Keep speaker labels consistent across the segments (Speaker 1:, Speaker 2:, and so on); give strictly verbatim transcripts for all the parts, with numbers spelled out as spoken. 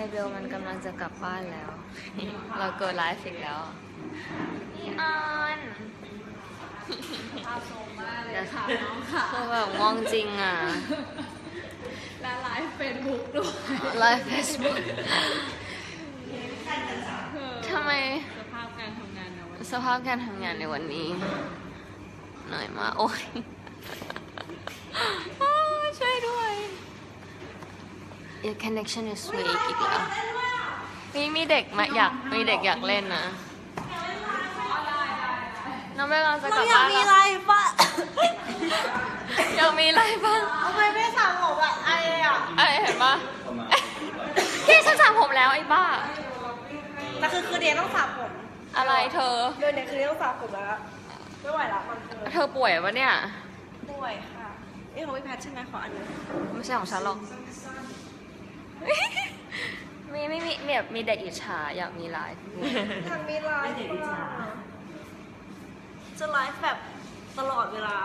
Speaker 1: เบลมันกำลังจะกลับบ้านแล้ว เราเกิดไลฟ์อีกแล้วพี่ออน
Speaker 2: ภาพทรงมากเลยค่ะน้องค่ะ
Speaker 1: คือแบบง่วงจริงอ่ะ
Speaker 2: และไลฟ์เฟซบุ๊กด้วย
Speaker 1: ไลฟ์เฟซบุ๊กทำไม
Speaker 2: สภาพการทำงานในวัน
Speaker 1: สภาพการทำงานในวันนี้เหนื่อยมากโอ้ย ช่วยด้วย Your connection is weak อีกแล้วมีมีเด็กมาอยากมีเด็กอยากเล่นนะน้องเบลเราจะกลับบ้านแล้ว
Speaker 3: อะไรปะ
Speaker 1: อยากมีอะไรบ้าง
Speaker 3: ทำไมไม่สระผมอะไออะ
Speaker 1: ไอเห็นปะพี่ฉันสระผมแล้วไอ้บ้า
Speaker 3: แต่คือคือเดียต้องสระผม
Speaker 1: อะไรเธอ
Speaker 3: เดือนเนี้ยคือเดียต้องสระผมแล้ว ไม่ไหวละมันคือ
Speaker 1: เธอป่วยวะเนี่ย
Speaker 3: ป่วยค่ะเอ้ยของพี่แพทใช่ไหมขออันนึง
Speaker 1: ไม่ใช่ของฉันหรอก มีไม่มีแบบมีเด็กอิจฉาอยากมีไลฟ์
Speaker 3: ทางมีไลฟ์จะไลฟ์แบบตลอดเวลา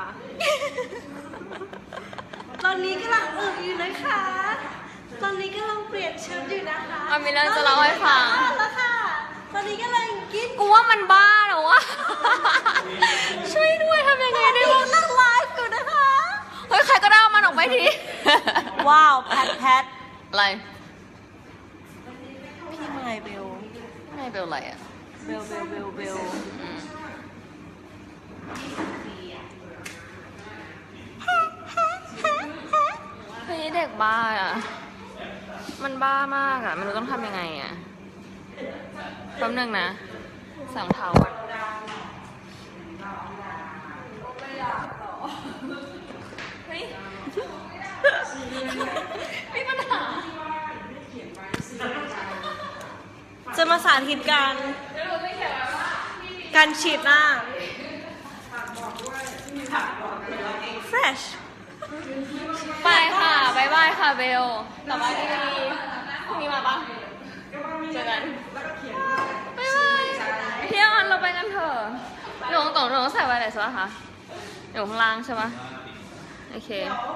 Speaker 3: ตอนนี้กำลังอึอยู่นะคะ ตอนนี้กำลังเปลี่ยนชุดอยู่นะคะ
Speaker 1: เอามีเรื่องจะเล่าให้ฟัง
Speaker 3: แล้วค่ะ ตอนนี้กำลังกิน
Speaker 1: กูว่ามันบ้าเหรอวะ ช่วยด้วยทำยังไงได้บ้าง
Speaker 3: กำลังไลฟ์อยู่นะคะ
Speaker 1: เฮ้ย ใครก็ได้เอามันออกไปที
Speaker 3: ว้าวแพทแพท
Speaker 1: อะไร
Speaker 3: พี่ไมเบล
Speaker 1: ไม่เป็นไรอ่ะ
Speaker 3: เบลเบลเบลเบล
Speaker 1: อืมเฮ้ยเด็กบ้าอ่ะ มันบ้ามากอ่ะ ไม่รู้ต้องทำยังไงอ่ะแป๊บนึงนะสองเท้าก่อนเฮ้ย มีปัญหา
Speaker 3: จะมาสาธิตการการฉีดหน้า fresh
Speaker 1: ไปค่ะบายบายค่ะเบลกลับบ้านดีๆพรุ่งนี้มาปะเจอกันบายบายพี่ออนเราไปกันเถอะหนูตรงหนูต้องใส่ไวเลสใช่ปะคะอยู่ข้างล่างใช่ปะโอเค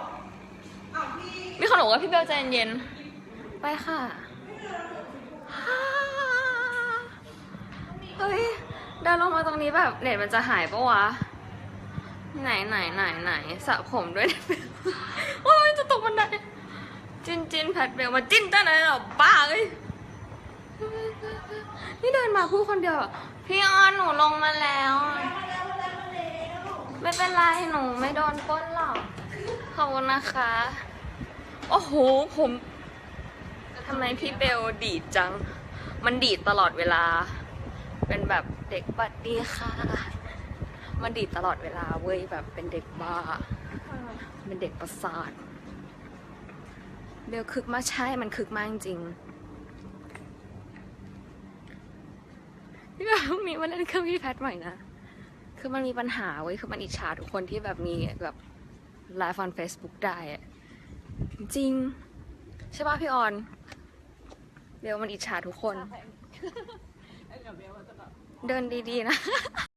Speaker 1: มีคนบอกว่าพี่เบลใจเย็นๆไปค่ะเฮ้ยเดินลงมาตรงนี้แบบเน็ตมันจะหายปะวะไหนไหนไหนไหนสระผมด้วย โอ้ยจะตกบันไดจินจินแพทเบลมาจิ้นตั้งไหนหรอบ้าเอ้ยนี่เดินมาพูดคนเดียวอะพี่ออนหนูลงมาแล้วไม่เป็นไรหนูไม่โดนปล้นหรอกขอบคุณนะคะโอ้โหผมทำไมพี่เบลดีดจังมันดีดตลอดเวลาเป็นแบบเด็กบัดดีค่ะมันดีดตลอดเวลาเว้ยแบบเป็นเด็กบ้าเป็นเด็กประสาทเบลคึกมากใช่มันคึกมากจริงพี่แบบพรุ่งนี้มาเล่นเครื่องพี่แพทใหม่นะคือมันมีปัญหาเว้ยคือมันอิจฉาทุกคนที่แบบมีแบบไลฟ์ on Facebook ได้อะจริงใช่ป่ะพี่ออนเบลมันอิจฉาทุกคนเดินดีๆนะ